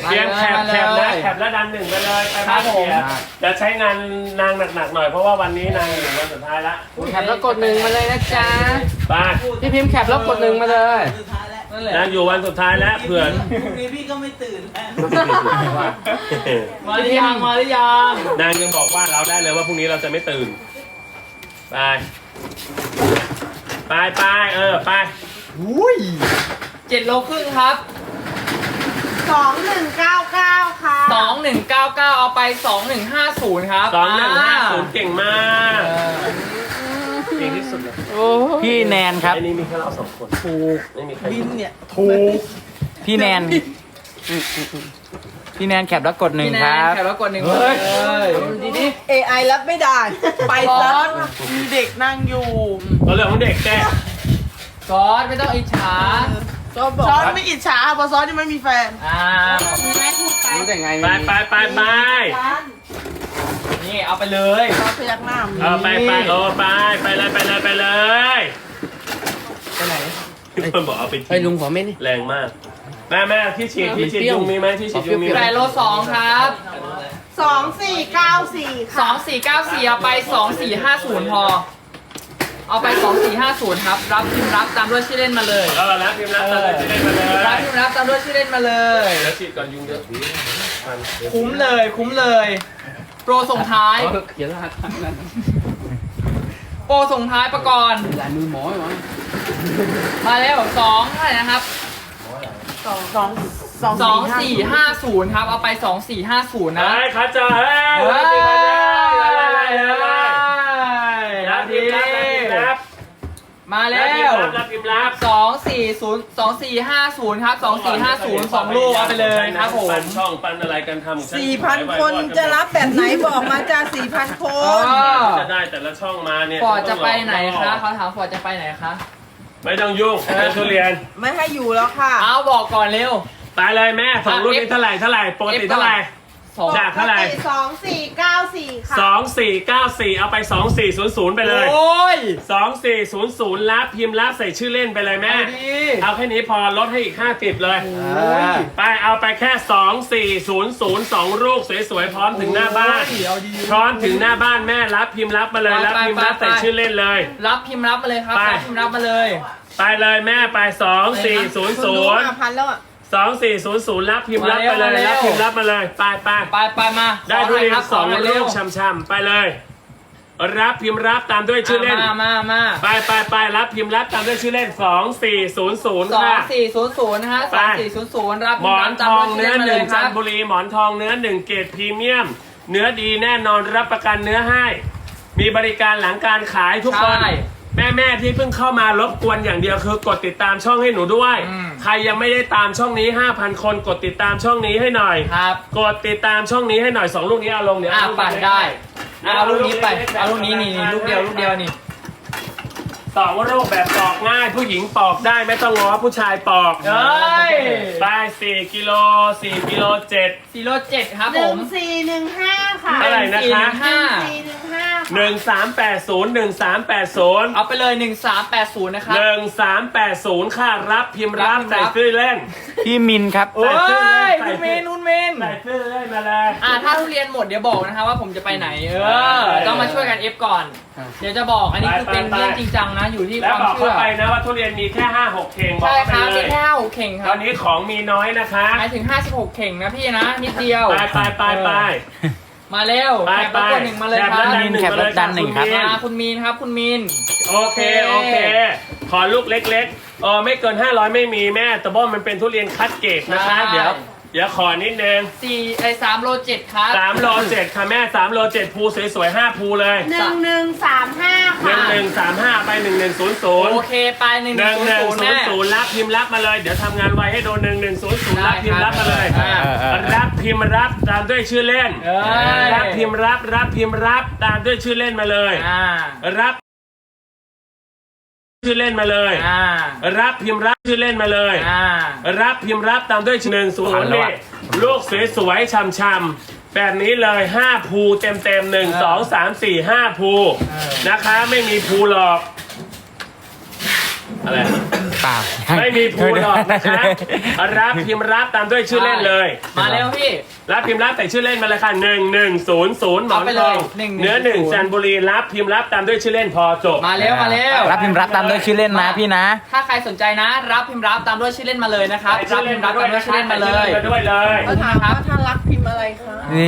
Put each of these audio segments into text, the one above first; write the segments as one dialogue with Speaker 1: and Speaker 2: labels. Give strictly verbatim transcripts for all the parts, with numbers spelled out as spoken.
Speaker 1: เตรียมแคปแคปนะแคปแล้วดันหนึ่งไปเลยไปครับผมจะใช้งานนางหนักๆหน่อยเพราะว่าวันนี้นางอยู่วันสุดท้ายละ
Speaker 2: แคปแล้วกดหนึ่งมาเลยนะจ๊ะ
Speaker 1: ไป
Speaker 2: พี่พิมพ์แคปแล้วกดหนึ่งมาเลย
Speaker 3: สุดท้ายแล้ว
Speaker 2: นั่นแหละ
Speaker 1: นางอยู่วันสุดท้ายแล้วเผื่อ
Speaker 3: พรุ่งนี้พี่ก็ไม่ตื่นแล้ว
Speaker 2: มาหรือยังมาหรือยัง
Speaker 1: นางยังบอกว่าเราได้เลยว่าพรุ่งนี้เราจะไม่ตื่นไปไปไปเออไป
Speaker 2: เจ็ดโลครึ่งครับ
Speaker 4: สองหนึ่งเก้าเก้าค่ะ
Speaker 2: สองหนึ่งเก้าเก้าเอาไปสองหนึ่งห้าศูนย์ครับ
Speaker 1: สองหนึ่งห้าศูนย์เก่งมากเก่งที่สุดเลย
Speaker 5: พี่แนนครับ
Speaker 1: ไอ้นี่มีแค่เราสองคนถูกไม่มีใคร
Speaker 3: บินเนี่ย
Speaker 1: ถูก
Speaker 5: พี่แนน พี่แนนแคปแล้วกดหนึ่ง
Speaker 2: พี่แน
Speaker 5: คน รับ
Speaker 2: แคปแล้วกดหนึ่งเลยดีดิ
Speaker 3: เอไอรับไม่ได้ ไปซะมีเด็กนั่งอยู่
Speaker 1: เราเรื่องของเด็กแก
Speaker 2: ซอสไม่ต้องอิจฉา
Speaker 3: ซอสบอกซอสไม่อิจฉาเพราะซอสที่ไม่มีแฟน
Speaker 2: อ่า
Speaker 4: แม่พูดไป
Speaker 2: รู้ได้ไง
Speaker 1: ไปไปไปไป
Speaker 2: นี่เอาไปเลย
Speaker 3: ซอสพยักหน้า
Speaker 1: เออไปไปโอ้ไปไปเลยไปเลยไปเลย
Speaker 2: ไปไหน
Speaker 1: พี่คนบอกเอาไป
Speaker 2: เฮ้ยลุงขอเม็ดนี่
Speaker 1: แรงมากแม่แม่ที่ฉีดที่ฉีดยุงมีไหมที่ฉีดยุงมีไหม
Speaker 2: แปดโลสองครับ
Speaker 4: สองสี่เก้าสี่
Speaker 2: ส
Speaker 4: ค่ะ
Speaker 2: องสี่เก้าสี่เอาไปสองสี่ห้าศูนย์พอ เอาไปสองสี่ห้าศูนย์ครับ รับพิมพ์รับตามด้วยชื่อเล่นมาเลย
Speaker 1: เออแล้วพิมพ์รับตามเลยจะได้มาเล
Speaker 2: รับ
Speaker 1: ย
Speaker 2: พิมพ์รับตามด้วยชื่อเล่นมาเลย
Speaker 1: แล้วฉีดก่อนยุงเยอะ
Speaker 2: คุ้มเลยคุ้มเลย โปรส่งท้าย
Speaker 5: เขียนรหัสนั่น
Speaker 2: โปรส่งท้ายประกรณ์
Speaker 5: ลายมือหมอไหม
Speaker 2: มาแล้วสองเท่าไหร่นะครับ
Speaker 3: สองสองสอง
Speaker 2: สองสี่ห้าศูนย์ครับเอาไปสองสี่ห้าศูนย์นะ
Speaker 1: เฮ้ยคัดเจอเฮ้ย
Speaker 2: เฮ้
Speaker 1: รับพิมพ์มาเลยรับ
Speaker 2: ย
Speaker 1: พิมพ์รับรับพิมพ์รับ
Speaker 2: มา
Speaker 1: รั
Speaker 2: แล้
Speaker 1: บพิม
Speaker 2: ว
Speaker 1: พ์รับรับพิมพ์รับ
Speaker 2: สองสี่ศูนย์สองสี่ห้าศูนย์ครับสองสี่ห้าศูนย์สองลูกเอาไปเลยครับผม
Speaker 1: ปันช่องปันอะไรกันทำ
Speaker 3: สี่พันคนจะรับแบบไหนบอกมาจ้าสี่พันค
Speaker 2: เอน อ
Speaker 1: จะได้แต่ละช่องมาเนี่ย
Speaker 2: ฟอร์ดจะไปไหนคะเขาถามฟอร์ดจะไปไหนคะ
Speaker 1: ไม่ต้องยุ่งเรื่องทุเรียน
Speaker 3: ไม่ให้อยู่แล้วค่ะ
Speaker 2: เอาบอกก่อนเร็ว
Speaker 1: ไปเลยแม่สองรุ่นนี้เท่าไหร่เท่าไหร่ปกติเท่าไหร่
Speaker 2: สอง
Speaker 1: จากเท่าไหร่
Speaker 4: สองสี่เก้าสี่ค่ะ
Speaker 1: สองสี่เก้าสี่เอาไปสองสี่ศูนย์ศูนย์ไปเลย
Speaker 2: โอ้ย
Speaker 1: สองสี่ศูนย์ศูนย์รับพิมพ์รับใส่ชื่อเล่นไปเลยแม่
Speaker 2: เอาดี
Speaker 1: เอาแค่นี้พอลดให้อีกห้าสิบเลย ไปเอาไปแค่สองสี่ศูนย์ศูนย์สองลูกสวยๆพร้อมถึงหน้าบ้าน
Speaker 2: เอาดี
Speaker 1: พร้อมถึงหน้าบ้านแม่รับพิมพ์รับมาเลยรับพิมพ์รับใส่ชื่อเล่นเลย
Speaker 2: รับพิมพ์รับมาเลยครับ
Speaker 1: ไป
Speaker 2: รับพิมพ์รับมาเลย
Speaker 1: ไปเลยแม่ไปสองสี่ศูนย์ศูนย์
Speaker 3: ห้าพันแล้วอ่ะ
Speaker 1: สองสี่ศูนย์ศูนย์รับพิมพ์รับไปเลยรับพิมพ์รับมาเลยไปไป
Speaker 2: ไปไปมา
Speaker 1: ได้ทุเรียนสอง
Speaker 2: ขหน่ย
Speaker 1: ลู
Speaker 2: ค
Speaker 1: ก
Speaker 2: รับ
Speaker 1: ช่ำๆไปเลย รับพิมพ์รับตามด้วยชื่อเล่น
Speaker 2: มามามา
Speaker 1: ไปไปไปรับพิมพ์รับตามด้วยชื่อเล่นสองสี่ศูนย์ศูนย์
Speaker 2: สอง
Speaker 1: ค่ะ
Speaker 2: สี่ศูนย์ศูนย์นะฮะสองสี่ศูนย์ศูนย์รับ
Speaker 1: หมอนทองเนื้อหนึ่ง
Speaker 2: ค
Speaker 1: จั
Speaker 2: รั
Speaker 1: น
Speaker 2: บ
Speaker 1: ทบุรีหมอนทองเนื้อหนึ่งเกรดพรีเมียม เนื้อดีแน่นอนรับประกันเนื้อให้ มีบริการหลังการขายทุกคน
Speaker 2: ใช่
Speaker 1: แม่แม่ที่เพิ่งเข้ามารบกวนอย่างเดียวคือกดติดตามช่องให้หนูด้วย
Speaker 2: อืม
Speaker 1: ใครยังไม่ได้ตามช่องนี้ ห้าพัน คนกดติดตามช่องนี้ให้หน่อย
Speaker 2: ครับ
Speaker 1: กดติดตามช่องนี้ให้หน่อยสองลูกนี้เอาลงเดี๋ยว
Speaker 2: อ่ะ
Speaker 1: เอาลูก
Speaker 2: ปั่น
Speaker 1: เล็กๆ
Speaker 2: ได้อ่ะเอาลูกนี้ไป
Speaker 1: ล็ๆ
Speaker 2: เอาลูกนี้นี่นี่ลูกเดียวลูกเดียวนี่
Speaker 1: สองลูกแบบปอกง่าย ผู้หญิงปอกได้ไม่ต้องง้อผู้ชายปอก
Speaker 2: เอ้ย
Speaker 1: ไปสี่กิโลสี่กิโลเจ็ด
Speaker 2: ซีโร่เจ็ดครับ
Speaker 4: ห
Speaker 2: ผ
Speaker 4: นึ่ง
Speaker 2: ม
Speaker 4: สี่หนึ่งห้าค่ะ
Speaker 1: เท่าไหร่นะคะ
Speaker 2: ห้า
Speaker 4: สี่หนึ่งห้า
Speaker 1: หนึ่งสามแปดศูนย์หนึ่งสามแปดศูนย์
Speaker 2: เอาไปเลยหนึ่งสามแปดศูนย์นะครับ
Speaker 1: หนึ่งสามแปดศูนย์ค่ะรับพิมพ์รับ
Speaker 2: รับ
Speaker 1: ใส่ชื่อเล่น
Speaker 5: พี่มินครับ
Speaker 2: โอ้ย
Speaker 1: ใส่
Speaker 2: คุณ
Speaker 1: ชื่
Speaker 2: เม
Speaker 1: อเล่
Speaker 2: น
Speaker 1: น
Speaker 2: คุณเมน
Speaker 1: ใส่ชื่อเล่นมาเลย
Speaker 2: อ่ะถ้าทุเรียนหมดเดี๋ยวบอกนะครับว่าผมจะไปไหน เออ
Speaker 1: ได้
Speaker 2: ต้องมาช่วยกันเอฟก่อน เดี๋ยวจะบอกอันนี้คือเป็น
Speaker 1: ไปไป
Speaker 2: เรื่องจริงจังนะอยู่ที่ค
Speaker 1: แล้ว
Speaker 2: วาม
Speaker 1: บอก
Speaker 2: เชื่
Speaker 1: เขา
Speaker 2: อ
Speaker 1: ไปนะว่าทุเรียนมีแค่ห้าหกเข่งบอก
Speaker 2: ใช่
Speaker 1: เขา
Speaker 2: ค
Speaker 1: ไป
Speaker 2: รับ
Speaker 1: เล
Speaker 2: มี
Speaker 1: ย
Speaker 2: แค่หกเข่งค
Speaker 1: ต
Speaker 2: รั
Speaker 1: อบ นนี้ของมีน้อยนะคะ
Speaker 2: หมายถึงห้าสิบหกเข่งนะพี่นะนิดเดียว
Speaker 1: ไปไปไปไป
Speaker 2: มาเร็ว
Speaker 1: ไป
Speaker 2: แคป
Speaker 1: ไป
Speaker 2: แล้วกดหนึ่งมาเลยครับ
Speaker 1: แคปแล้วดันหนึ่ง
Speaker 5: แคปแล้วดันหนึ่งครับ
Speaker 1: มาเลย
Speaker 2: มา
Speaker 1: ค่ะ
Speaker 2: คุณมีนครับคุณมีน
Speaker 1: โอเคโอเค ขอลูกเล็กๆเออไม่เกินห้าร้อยไม่มีแม่แต่ว่ามันเป็นทุเรียนคัดเกรดนะคะ เดี๋ยวเดี๋ยวขอนิดนึง
Speaker 2: สี่ไอ้สามโลเจ็ดครับ
Speaker 1: สามโลเจ็ดค่ะแม่สามโลเจ็ดภูสวยๆห้าภูเลย
Speaker 4: หนึ่งหนึ่งสามห้า
Speaker 1: หนึ่
Speaker 4: ค่ะ
Speaker 1: งหนึ่งสามห้าไปหนึ่งหนึ่งศูนย์ศูนย์
Speaker 2: โอเคไปหนึ่ง
Speaker 1: หนึ่งหนึ่ง
Speaker 2: ศูนย์
Speaker 1: ศูน
Speaker 2: แน่
Speaker 1: ย์ศูนย์รับพิมพ์รับมาเลยเดี๋ยวทำงานไวให้โดนหนึ่งหนึ่งศูนย์ศูนย์รับพิมพ์รับมาเลย
Speaker 2: ได้ครับ
Speaker 1: รับพิมพ์รับตามด้วยชื่อเล่น
Speaker 2: เอ้ย
Speaker 1: รับพิมพ์รับรับพิมพ์รับตามด้วยชื่อเล่นมาเลย
Speaker 2: อ่า
Speaker 1: รับชื่อเล่นมาเลย
Speaker 2: อ่า
Speaker 1: รับพิมพ์รับชื่อเล่นมาเลย
Speaker 2: อ่า
Speaker 1: รับพิมพ์รับตามด้วยหนึ่งศูน
Speaker 5: ทัน
Speaker 1: ย์
Speaker 5: แล้ว
Speaker 1: นี่
Speaker 5: อะ
Speaker 1: ลูกสวยๆช่ำๆแบบนี้เลยห้าภูเต็มเต็มหนึ่งสองสามสี่ห้าภูนะคะไม่มีภูหรอกอะไร
Speaker 5: เปล่า
Speaker 1: ไม่มีภูหรอกนะคะรับพิมพ์รับตามด้วยชื่อเล่นเลย
Speaker 2: มาเร็วพี่
Speaker 1: รับพิมพ์รับแต่ชื่อเล่นมาเลยค่ะหนึ่งหนึ่งศูนย์ศูนย์หมอน
Speaker 2: เอาไป
Speaker 1: ท
Speaker 2: เล
Speaker 1: อย ง
Speaker 2: หนึ่งหนึ่ง
Speaker 1: เนื้อหนึ่งจันทบุรีรับพิมพ์รับตามด้วยชื่อเล่นพอจบ
Speaker 2: มาเร็วมาเร็ว
Speaker 5: รับพิมพ์รับตามด้วยชื่อเล่นนะพี่นะ
Speaker 2: ถ้าใครสนใจนะ รับพิมพ์รับตามด้วยชื่อเล่นมาเลยนะครับ รับพิมพ์รับตามด้วยชื่อเล่นมาเลย
Speaker 1: มาด้วยเลย
Speaker 3: เขาถามว่าถ้ารักพิมพ์อะไรคะ
Speaker 5: นี่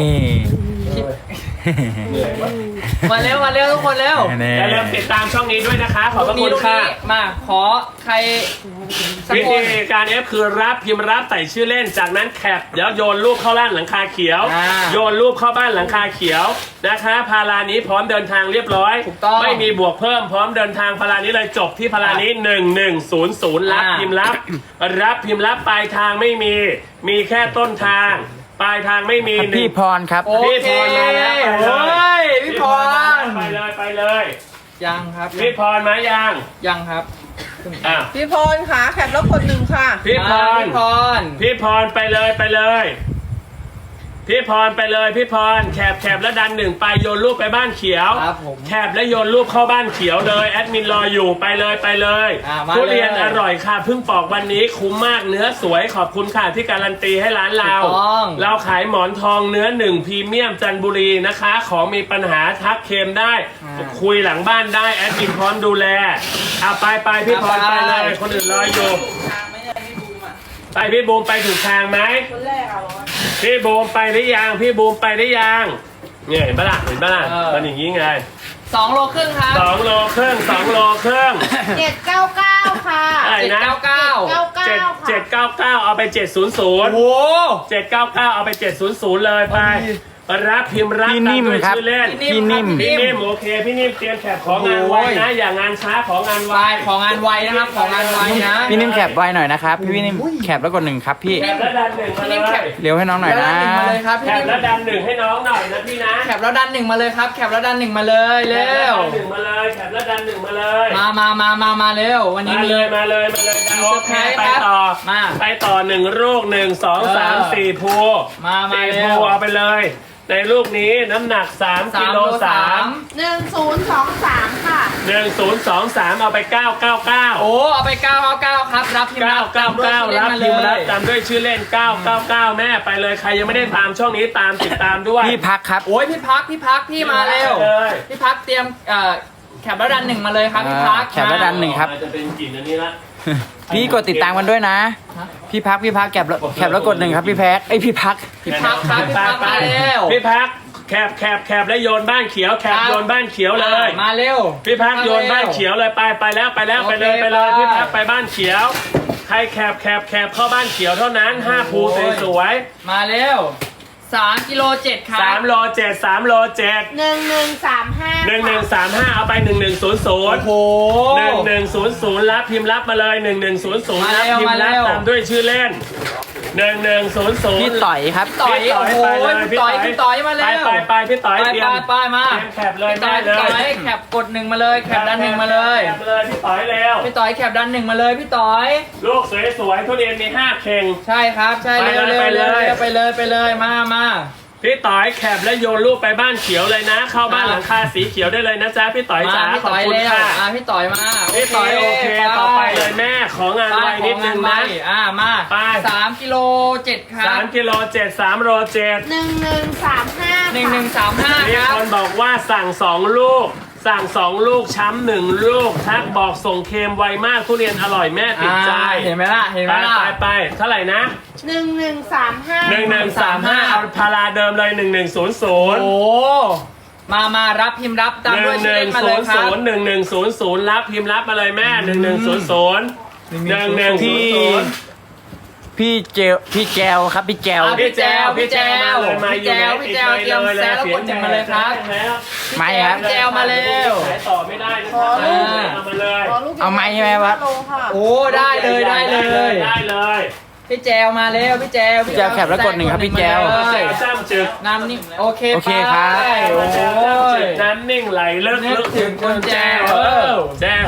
Speaker 2: มาเร็วมาเร็วทุกคนเร็ว
Speaker 5: นี่
Speaker 1: อย่าลืมติดตามช่องนี้ด้วยนะคะขอบพระ
Speaker 2: ลู
Speaker 1: คุ
Speaker 2: ก
Speaker 1: ณ
Speaker 2: นี้
Speaker 1: ค่ะ
Speaker 2: มาขอใครสัก
Speaker 1: วิ
Speaker 2: ค
Speaker 1: ธี
Speaker 2: น
Speaker 1: การเอฟคือรับพิมพ์รับใส่ชื่อเล่นจากนั้นแคปเดี๋ยวโยนรูปเข้าบ้านหลังคาเขียว
Speaker 2: อ่า
Speaker 1: โยนรูปเข้าบ้านหลังคาเขียวนะคะพารานี้พร้อมเดินทางเรียบร้อย
Speaker 2: ถูกต้อง
Speaker 1: ไม่มีบวกเพิ่มพร้อมเดินทางพารานี้เลยจบที่พารานี้หนึ่งหนึ่งศูนย์ศูนย์รับ
Speaker 2: อ่า
Speaker 1: พิมพ์รับ รับพิมพ์รับปลายทางไม่มี มีแค่ต้นทาง ปลายทางไม่มี
Speaker 5: พี่พรครับ
Speaker 2: โอ
Speaker 1: พี่
Speaker 2: เค
Speaker 1: พรมาแล้วไปเล
Speaker 2: โอ้
Speaker 1: ย
Speaker 2: ยพี่พร
Speaker 1: ไปเลยไปเลย
Speaker 2: ยังครับ
Speaker 1: พี่พรมายัง
Speaker 2: ยังครับ
Speaker 1: อ่ะ
Speaker 3: พี่พรค่ะแคปแล้วกดหนึ่งค่ะ
Speaker 1: พี่พ
Speaker 2: อ่าร พี่พร
Speaker 1: พี่พรไปเลยไปเลย พี่พรไปเลยพี่พรแคบแคบแล้วดันหนึ่งไปโยนรูปไปบ้านเขียว
Speaker 2: ครับผม
Speaker 1: แคบแล้วโยนรูปเข้าบ้านเขียวเลยแอดมินรออยู่ไปเลยไปเลย
Speaker 2: อ่ามา
Speaker 1: ทุเรียน
Speaker 2: เลย
Speaker 1: อร่อยค่ะเพิ่งปอกวันนี้คุ้มมากเนื้อสวยขอบคุณค่ะที่การันตีให้ร้านเรา
Speaker 2: ถูกต้อง
Speaker 1: เราขายหมอนทองเนื้อหนึ่งพรีเมียมจันทบุรีนะคะ ของมีปัญหาทักเคมได้ คุยหลังบ้านได้แอดมินพร้อมดูแลเอาไปไปพี่พรไปเลยคนอื่นรออยู่ ไปพี่บูมไปถูกทางไหม
Speaker 3: คนแรกเอา
Speaker 1: พี่บูมไปหรือยังพี่บูมไปหรือยังเนี่ยเห็นปะล่ะเห็นปะล่ะ
Speaker 2: เออ
Speaker 1: มันอย่างนี้ไง
Speaker 2: สองโลครึ่งครับ
Speaker 1: สองโลครึ่งสองโลครึ่ง
Speaker 4: เจ็ดเก้าเก้าค่ะ
Speaker 1: อะไร
Speaker 2: เจ็ด
Speaker 1: นะ
Speaker 2: เก้าเก้า
Speaker 4: เก้า
Speaker 1: เจ็ด
Speaker 4: เก้าค่ะ
Speaker 1: เจ็ดเก้าเก้าเอาไปเจ็ดศูนย์ศูนย์
Speaker 2: โอ้โห
Speaker 1: เจ็ดเก้าเก้าเอาไปเจ็ดศูนย์ศูนย์เลยไปรับพิมพ์รับ
Speaker 5: พี่นิ่ม
Speaker 1: ตาด้วย
Speaker 5: ครับ
Speaker 1: ชื่อเล่น
Speaker 5: พี่นิ่ม
Speaker 1: พี่นิ่มโอเคพี่นิ่มเตรียมแคปของงานไว้นะ อย่างานช้าของงานไว
Speaker 2: วายของงานไวนะครับ ของงานไวนะ
Speaker 5: พี่นิ่มแคปไว้หน่อยนะครับ พี่พี่นิ่มแคปแล้วกดหนึ่งครับพี่
Speaker 1: แคปแล้วดันหนึ่งมา
Speaker 2: พี่
Speaker 1: เล
Speaker 2: นิ่มแคป
Speaker 1: ย
Speaker 5: เร็วให้น้องหน่อย
Speaker 2: แล้ว
Speaker 5: นะ
Speaker 2: ดันหนึ่งมาเลยครับ
Speaker 1: แค
Speaker 2: พี่
Speaker 1: ป
Speaker 2: นิ่ม
Speaker 1: แล้วดันหนึ่งให้น้องหน่อยนะพี่นะ
Speaker 2: แคปแล้วดันหนึ่งมาเลยครับ แคปแล้วดันหนึ่งมาเลยเร็ว
Speaker 1: แคปแล้วดันหนึ่งมาเลยแคปแล้วดันหนึ่งมาเลย
Speaker 2: มามามามามาเร็ว วันนี้
Speaker 1: มา
Speaker 2: มี
Speaker 1: เลยมาเลยมาเลยโอเคไป
Speaker 2: ครับ
Speaker 1: ต่อ
Speaker 2: มา
Speaker 1: ไปต่อหนึ่งลูกหนึ่งสองสาม
Speaker 2: เออ
Speaker 1: สี่ภู
Speaker 2: มามา
Speaker 1: สี่
Speaker 2: เร็
Speaker 1: ภู
Speaker 2: ว
Speaker 1: เอาไปเลย ในลูกนี้น้ำหนักสาม
Speaker 2: สา
Speaker 1: กิ
Speaker 2: ม
Speaker 1: โล
Speaker 2: โล
Speaker 1: สา
Speaker 2: สาม ม
Speaker 4: หนึ่งศูนย์สองสามค่ะ
Speaker 1: หนึ่งศูนย์สองสามเอาไปเก้าเก้าเก้า
Speaker 2: โอ้เอาไปเก้าเก้าเก้าครับ รับพิมพ์
Speaker 1: เก้า
Speaker 2: รับ
Speaker 1: เก้าเก้า
Speaker 2: ต
Speaker 1: รับ
Speaker 2: มด้วย
Speaker 1: พิมพ์รับ
Speaker 2: ชื่อเล่น
Speaker 1: ตามด้วยชื่อเล่นเก้าเก้าเก้าแม่ไปเลยใครยังไม่ได้ตามช่องนี้ตามติดตามด้วย
Speaker 5: พี่พักครับ
Speaker 2: โอ้ยพี่พักพี่พักพี่มาเร็ว
Speaker 1: เลย
Speaker 2: พี่พักเตรียมเอ่อแคปแล้วดันหนึ่งมาเลยครับพี่พัก
Speaker 5: แคปแล้วดันหนึ่งครับ
Speaker 1: จะเป็นกลิ่นอันนี้ละ
Speaker 5: พี่กดติดตามกันด้วยนะ พี่พักพี่พักแคปแล้วแคปแล้วกดหนึ่งครับพี่แพ็กไอยพี่พัก
Speaker 2: พี่พักครับพี่พักมาเร็ว
Speaker 1: พี่พักแคบแคบแคบแล้วโยนบ้านเขียวแคบ
Speaker 2: ครับ
Speaker 1: โยนบ้านเขียวเลย
Speaker 2: มาเร็ว
Speaker 1: พี่พักโยนบ้านเขียวเลยไปไปแล้วไปแล้วไปเลย
Speaker 2: โอเค
Speaker 1: ไปเลย
Speaker 2: ไป
Speaker 1: พี่พักไปบ้านเขียว ใครแคบแคบแคบเข้าบ้านเขียวเท่านั้นห้าภู
Speaker 2: โอ้ย
Speaker 1: สวย
Speaker 2: มาเร็วสามกิโลเจ็ดครั
Speaker 1: ๆ
Speaker 2: บ
Speaker 1: สามโลเจ็ดสามโลเจ็ด
Speaker 4: หนึ่งหนึ่งสามห้า
Speaker 1: หนึ่งหนึ่งสามห้าเอาไปหนึ่งหนึ่งศูนย์ศูนย์
Speaker 2: โอ้โห
Speaker 1: หนึ่งหนึ่งศูนย์ศูนย์รับพิมพ์รับมาเลยหนึ่งหนึ่งศูนย์ศูนย์
Speaker 2: มา
Speaker 1: รับ
Speaker 2: เร็ว
Speaker 1: พิมพ์รับ
Speaker 2: มาเร็ว
Speaker 1: ตามด้วยชื่อเล่นหนึ่งหนึ่งศูนย์ศูน
Speaker 5: พี่
Speaker 1: ย์
Speaker 5: ต่อยครับ
Speaker 2: ต่อยโอ้โห
Speaker 1: ไปเลย
Speaker 2: พี่ต่อยพี่ต่อยมาเร็ว
Speaker 1: ไปไปไปพี่ต่อย
Speaker 2: ไป
Speaker 1: เตรีย
Speaker 2: ไป
Speaker 1: ม
Speaker 2: ไปมา
Speaker 1: เตรียมแคปเลย
Speaker 2: พี่ต่อย
Speaker 1: แม่
Speaker 2: พี่
Speaker 1: เลย
Speaker 2: ต่อยแคปกดหนึ่งมาเลยแคปดันหนึ่งมาเลย
Speaker 1: แคปเลยพี่ต่อยเร็ว
Speaker 2: พี่ต่อยแคปดันหนึ่งมาเลยพี่ต่อย
Speaker 1: ลูกสวยๆทุเรียนมีห้าเข่ง
Speaker 2: ใช่ครับใช่
Speaker 1: ไป
Speaker 2: เร็ว
Speaker 1: เลย
Speaker 2: เร็ว
Speaker 1: ไป
Speaker 2: เร็
Speaker 1: เล
Speaker 2: วย ไปเลยไปเลยมามา
Speaker 1: พี่ต่อยแคปแล้วโยนลูกไปบ้านเขียวเลยนะ เข้าบ้านหลังคาสีเขียวได้เลยนะจ๊ะพี่ต่อย
Speaker 2: มา
Speaker 1: จ๋า
Speaker 2: พี่
Speaker 1: ขอบ
Speaker 2: ต่อย
Speaker 1: คุณ
Speaker 2: เร็ว
Speaker 1: ค่ะ
Speaker 2: อ่ะพี่ต่อยมา
Speaker 1: พี่ต่อยโอเคต่อไปเลยแม่ของงานไวนิดนึง
Speaker 2: ไป
Speaker 1: นะ
Speaker 2: ของงาไวอ่ะมา
Speaker 1: ไป
Speaker 2: สามกิโลเจ็ดครั
Speaker 1: สา
Speaker 2: บ
Speaker 1: มกิโลเจ็ดสามโลเจ็ด
Speaker 4: หนึ่งหนึ่งสามห้า
Speaker 2: หนึ่งหนึ่งสามห้า
Speaker 1: มี
Speaker 2: ครับ
Speaker 1: คนบอกว่าสั่งสองลูก สั่งสองลูกช้ำหนึ่งลูกทักบอกส่งเค็มไวมากทุเรียนอร่อยแม่ติดใจ
Speaker 2: อ่าเห็นไหมล่ะเห็นไห
Speaker 1: ไป
Speaker 2: มล่ะ
Speaker 1: ไปไปเท่าไหร่นะ
Speaker 4: หนึ่งหนึ่งสามห้า
Speaker 1: หนึ่งหนึ่งสามห้าเอาพาราเดิมเลยหนึ่งหนึ่งศูนย์ศูนย์
Speaker 2: โอ้มามารับพิมพ์รับตาม
Speaker 1: ห
Speaker 2: ด้
Speaker 1: นึ่
Speaker 2: วย
Speaker 1: งห
Speaker 2: ชื่อ
Speaker 1: นึ่
Speaker 2: เล่นมาเลยครับ
Speaker 1: งศูนย์ศูนย์หนึ่งหนึ่งศูนย์ศูนย์รับพิมพ์รับมาเลยแม่หนึ่งหนึ่งศูนย์ศูนย์หนึ่งหนึ่งศูนย์ศูนย์
Speaker 5: พี่เจลพี่แจวครับพี่แจว
Speaker 2: อ่ะ
Speaker 1: พี่แจวพี่แจวมาเลยมาอยู่ไหน
Speaker 2: พี่แจวพี่แจวเตรียมแซะแล้วกดหนึ่งมาเลยครับ
Speaker 5: ไม่ครับ
Speaker 2: แจวมาเร็ว
Speaker 1: ขายต่อไม่ได้นะ
Speaker 3: ขอลูก
Speaker 1: เอามาเลย
Speaker 3: ขอลูก
Speaker 5: เอาไม้ใช่ไหมวะ
Speaker 3: โลค่ะ
Speaker 2: โอ้ได้เลยได้เลย
Speaker 1: ได้เลย
Speaker 2: พี่แจวมาเร็วพี่แจว
Speaker 5: พี่แจวแคปแล้วกดหนึ่งครับพี่แจว
Speaker 2: มา
Speaker 1: แจ
Speaker 2: เลยว
Speaker 1: จ้ำจึก
Speaker 2: น้ำนิ่งโอเค
Speaker 5: โอเคครับ
Speaker 2: ไป
Speaker 1: โอ้
Speaker 2: โอ้
Speaker 1: แจวจ้ำจึ
Speaker 2: ย
Speaker 1: กน้ำนิ่งไหลเลิก
Speaker 2: นึก
Speaker 1: ลึก
Speaker 2: ถึงคนแจว
Speaker 1: เออแจว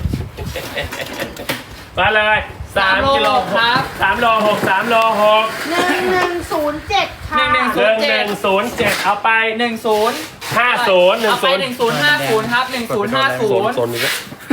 Speaker 1: มาเลยสามกิโล
Speaker 2: ครับ
Speaker 1: สามโลหกสามโลหก
Speaker 4: หนึ่งหนึ่งศูนย์เจ็ดค่ะ
Speaker 2: หนึ่งหนึ่ง
Speaker 1: หนึ่งหนึ่งศูนย์เจ็ดเอาไป
Speaker 2: หนึ่งศูนย์
Speaker 1: ห้าศูนย์หนึ่ง
Speaker 2: เอาไป
Speaker 1: ศูนย์
Speaker 2: หนึ่งศูนย์ห้าศูนย์ครับหนึ่งศูนย์ห้าศูนย์
Speaker 1: โซนนี้ก็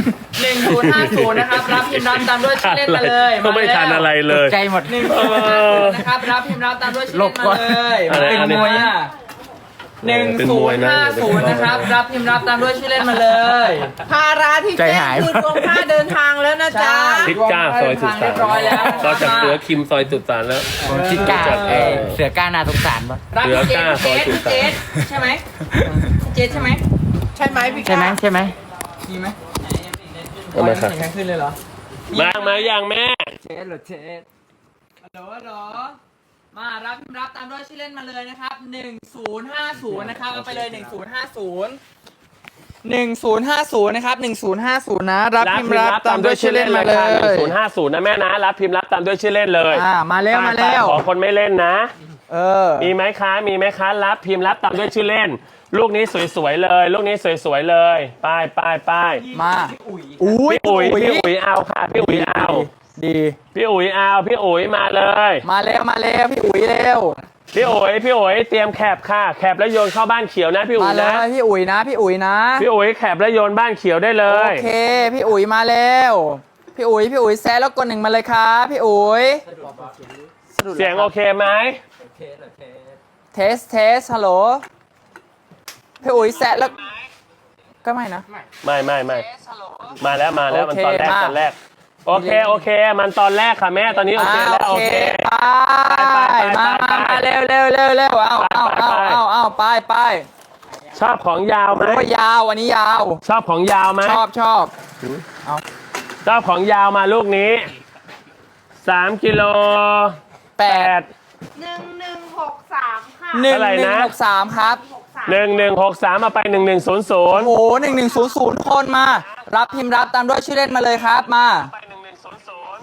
Speaker 2: หนึ่งศูนย์ห้าศูนย์นะครับรับพิมพ์รับตามด้วยชื่อเล่นมาเลย
Speaker 1: ก็ไม่ทันอะไรเลย
Speaker 5: ใจหมด
Speaker 2: หนึ่งศูนย์ห้าศูนย์นะครับรับพิมพ์รับตามด้วยชื่อเล่นมาเลย
Speaker 1: หลบก่อน
Speaker 2: เป็นมวยอ่ะหนึ่งศูนย์ห้าศูนย์นะครับรับพิมพ์รับตามด้วยชื่อเล่นมาเลย
Speaker 3: ภาระที่
Speaker 5: ใจ
Speaker 3: แจ้
Speaker 5: หาง ย
Speaker 3: คือรวมค่าเดินทางแล้วนะจ๊ะ
Speaker 1: ทิศก้าซอยสุดสา
Speaker 2: เรียบร้อยแล้ว
Speaker 1: ก็จากเสือคิมซอยสุดสานแล้ว
Speaker 5: ผมจิกล้าเอ้ยเสือกล้านาสงสารปะ
Speaker 2: รับพี่เจ
Speaker 1: เหลือเก้า
Speaker 2: สพี่เจส
Speaker 1: ซอยสุ
Speaker 2: พี่
Speaker 1: ด
Speaker 2: เจ
Speaker 1: สาม
Speaker 2: สใช่ไหมพี่เจสใช่ไหม
Speaker 3: ใช่ไหมพี่
Speaker 5: ใช่ไหม
Speaker 3: ก้า
Speaker 5: ใช่ไหม
Speaker 2: มีไหม
Speaker 1: เอามาครับ
Speaker 2: เห็นกันขึ้นเลยเหรอ
Speaker 1: มามาอย่างแม่
Speaker 2: เจสหรือเจสฮัลโหลฮัลโหลมารับพิมพ์รับตามด้วยชื่อเล่นมาเลยนะครับหนึ่งศูนย์ห้าศูนย์นะครับเอาไปเลยหนึ่งศูนย์ห้าศูนย์หนึ่งศูนย์ห้าศูนย์นะครับหนึ่งศูนย์ห้าศูนย์นะรับพิมพ์รับตามด้วยชื่อเล่นมาเล
Speaker 1: หนึ่ง
Speaker 2: ย
Speaker 1: ศูนย์ห้าศูนย์นะแม่นะรับพิมพ์รับตามด้วยชื่อเล่นเลย
Speaker 2: อ่ามาแล้วมาแล้ว
Speaker 1: ขอคนไม่เล่นนะ
Speaker 2: เออ
Speaker 1: มีไหมคะ มีไหมคะ รับพิมพ์รับตามด้วยชื่อเล่น ลูกนี้สวยๆเลย ลูกนี้สวยๆเลยป้ายป้ายป้าย
Speaker 2: มาอุ้ย
Speaker 1: พี่อุ๋ยพี่อุ๋ยเอาค่ะพี่อุ๋ยเอา
Speaker 2: ดี
Speaker 1: พี่อุ๋ยเอาพี่อุ๋ยมาเลย
Speaker 2: มาแล้วมาแล้วพี่อุ๋ยเร็ว
Speaker 1: พี่อุ๋ยพี่อุ๋ยเตรียมแคบค่ะ แคบแล้วโยนเข้าบ้านเขียวนะพี่อุ๋
Speaker 2: มาย เล
Speaker 1: นะ
Speaker 2: ยพี่อุ๋ยนะพี่อุ๋ยนะ
Speaker 1: พี่อุ๋ยแคบแล้วโยนบ้านเขียวได้เล
Speaker 2: โอย เคพี่อุ๋ยมาแล้วพี่อุ๋ยพี่อุ๋ยแซะแล้วกดหนึ่งมาเลยครับพี่อุ๋ย
Speaker 1: เสียงโอเคไหม
Speaker 2: เทสเทสฮัลโหลพี่อุ๋ยแซะแล้วก็ไม่นะ
Speaker 1: ไม่ไม่ไม่มาแล้วมาแล้ว
Speaker 2: โอ
Speaker 1: มัน
Speaker 2: เค
Speaker 1: ตอนแรก
Speaker 2: มา
Speaker 1: ตอนแรก โอเคโอเค มันตอนแรกค่ะแม่ตอนนี้โอ
Speaker 2: อ่า
Speaker 1: เคแล้ว
Speaker 2: โอ
Speaker 1: โอ
Speaker 2: เค
Speaker 1: เค
Speaker 2: ไปมามามาเร็วเร็วเร็วเร็วเอาเอาเอาเอาเอาไปไป
Speaker 1: ชอบของยาวไหม
Speaker 2: โอ้ยยาวอันนี้ยาว
Speaker 1: ชอบของยาวไหม
Speaker 2: ชอบชอบ
Speaker 1: ชอบของยาวมาลูกนี้สามกิโล
Speaker 2: แป
Speaker 1: แป
Speaker 2: ด
Speaker 1: ด
Speaker 4: หนึ่งหนึ่งหกสามค่ะ
Speaker 2: หนึ่ง
Speaker 1: เท่าไหร่
Speaker 2: หนึ่ง
Speaker 1: นะ
Speaker 2: หกสามครับ
Speaker 4: หกสาม
Speaker 1: หนึ่งหนึ่งหกสามมาไปหนึ่งหนึ่งศูนย์ศูนย์
Speaker 2: โอ้โหหนึ่งหนึ่งศูนย์ศูนย์คนมา รับพิมพ์รับตามด้วยชื่อเล่นมาเลยครับมา
Speaker 1: ไปหนึ่งหนึ่งศูนย์ศูนย์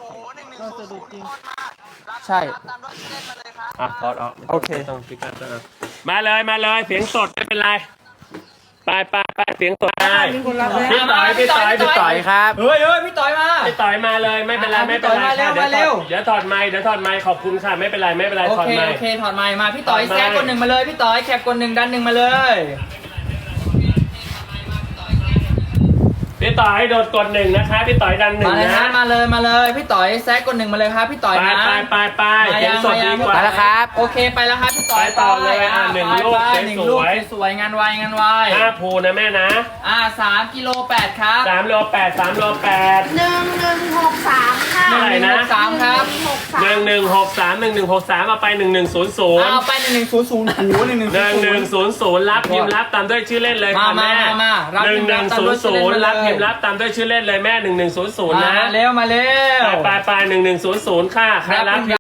Speaker 2: ใช่
Speaker 1: อ่ะพอดออก
Speaker 2: โอเค
Speaker 1: ต้องพิกัดนะมาเลยมาเลยเสียงสดไม่เป็นไรไปไปไปเสียงสดได้
Speaker 3: มีคนรับแล้ว
Speaker 1: พี่ต่อยพี่ต่อยพี่
Speaker 5: ต่
Speaker 1: ต่
Speaker 5: อ
Speaker 1: อย ย
Speaker 5: ครับ
Speaker 2: เฮ้ยเฮ้ยพี่ต่อยมา
Speaker 1: พี่ต่อยมาเลยไม่เป็นไร
Speaker 2: อ่ะ
Speaker 1: ไม่เป็นไร
Speaker 2: พี่ต่อยมาเร็ว
Speaker 1: ค่ะเดี๋ยวถอด
Speaker 2: มาเร็ว
Speaker 1: เดี๋ยวถอดไมค์เดี๋ยวถอดไมค์ขอบคุณค่ะไม่เป็นไรไม่เป็นไร
Speaker 2: โอ
Speaker 1: ถอด
Speaker 2: เค
Speaker 1: ไม
Speaker 2: โอ
Speaker 1: ค์
Speaker 2: เคถอดไมค์มาพี่ต่อย
Speaker 1: ถอดไมค์
Speaker 2: แซกคนหนึ่งมาเลยพี่ต่อยแคปคนหนึ่งดันหนึ่งมาเลย
Speaker 1: พี่ต่อยโดดกดหนึ่งนะคะพี่ต่อยดันหนึ่
Speaker 2: มาง เลย
Speaker 1: นะ
Speaker 2: นะมาเลยมาเลยพี่ต่อยแซกคนหนึ่งมาเลยครับพี่ต่อย
Speaker 1: ไป
Speaker 2: นะ
Speaker 1: ไปไปไป
Speaker 2: มา
Speaker 1: เสีย
Speaker 2: ยัง ง
Speaker 1: สด
Speaker 2: มายั
Speaker 1: ดี
Speaker 2: ง
Speaker 1: กว่า
Speaker 5: ไปแล้วครับ
Speaker 2: โอเคไปแล้วครับพี่ต่อย
Speaker 1: ไปต่อเลยอ่ะหนึ่ง
Speaker 2: ไป
Speaker 1: ลูก
Speaker 2: ไป
Speaker 1: สวยๆ
Speaker 2: หนึ่งลูกสวยๆงานไวงานไว
Speaker 1: ห้าภูนะแม่นะ
Speaker 2: อ่าสามกิโลแปดครับ
Speaker 1: สามโลแปดสามโลแปด
Speaker 4: หนึ่งหนึ่งหกสามค่ะ
Speaker 1: เท่าไหร่นะ
Speaker 2: สามครับ
Speaker 1: หนึ่งหนึ่งหกสามหนึ่งหนึ่งหกสามเอาไปหนึ่งหนึ่งศูนย์ศูนย์
Speaker 2: เอาไปหนึ่งหนึ่งศูนย์ศูนย์หูหนึ่งหนึ่ง
Speaker 1: หนึ่งหนึ่งศูนย์ศูนย์รับพิมพ์รับตามด้วยชื่อเล่นเลยค่ะ
Speaker 2: มา
Speaker 1: แม่
Speaker 2: มามารับ
Speaker 1: หนึ่
Speaker 2: พิ
Speaker 1: ง
Speaker 2: มพ์
Speaker 1: ห
Speaker 2: รั
Speaker 1: นึ่
Speaker 2: บ
Speaker 1: ง
Speaker 2: ตาม
Speaker 1: ศู
Speaker 2: ด้วน ย
Speaker 1: ย์
Speaker 2: ชื่อ
Speaker 1: ศู
Speaker 2: เล่น
Speaker 1: นย์
Speaker 2: มาเลย
Speaker 1: รับพิมพ์รับตามด้วยชื่อเล่นเลยแม่หนึ่งหนึ่งศูนย์ศูนย์
Speaker 2: มา
Speaker 1: นะ
Speaker 2: เร็วมาเร็ว
Speaker 1: ไปไปไปหนึ่งหนึ่งศูนย์ศูนย์ค่ะใครรับพิมพ์